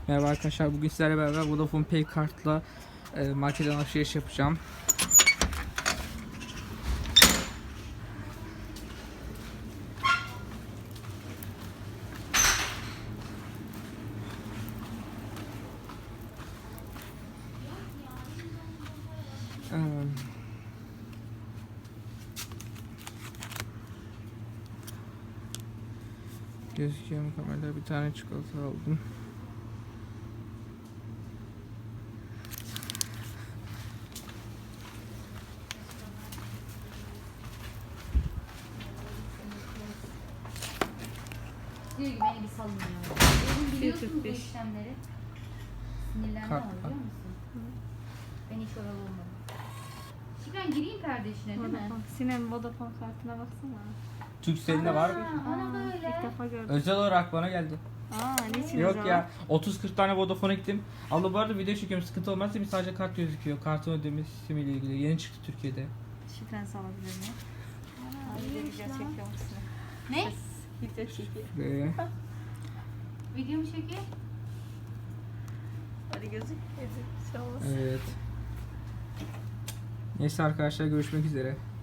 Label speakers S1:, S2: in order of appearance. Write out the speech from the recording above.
S1: Merhaba arkadaşlar, bugün sizlerle beraber Vodafone Pay kartla marketten alışveriş yapacağım. Gözüküyor mu kamerada? Bir tane çikolata aldım.
S2: Diyor ki beni bir salın ya. Benim biliyorsun bu işlemleri. Sinirlenme
S1: Kart
S2: ama
S1: var.
S2: biliyor musun? Ben hiç oralı olmadım. Şükran gireyim kardeşine değil mi?
S3: Sinem Vodafone kartına baksana.
S1: Turkcell'de var.
S2: Ana böyle.
S3: İlk defa gördüm.
S1: Özel olarak bana geldi.
S3: Niçin
S1: Yok
S3: özel?
S1: ya, 30-40 tane Vodafone'a gittim. Abla bu arada video çekiyorum, sıkıntı olmazsa bir sadece kart gözüküyor. Kartın ödemesi ile ilgili. Yeni çıktı Türkiye'de.
S3: Şifreni salabilir miyim? Video çekiyor musun?
S2: Ne?
S3: Video çekiyor.
S1: Ve
S2: Video mu çekiyor?
S3: Hadi gözük. Şey olmaz.
S1: evet. Neyse arkadaşlar, görüşmek üzere.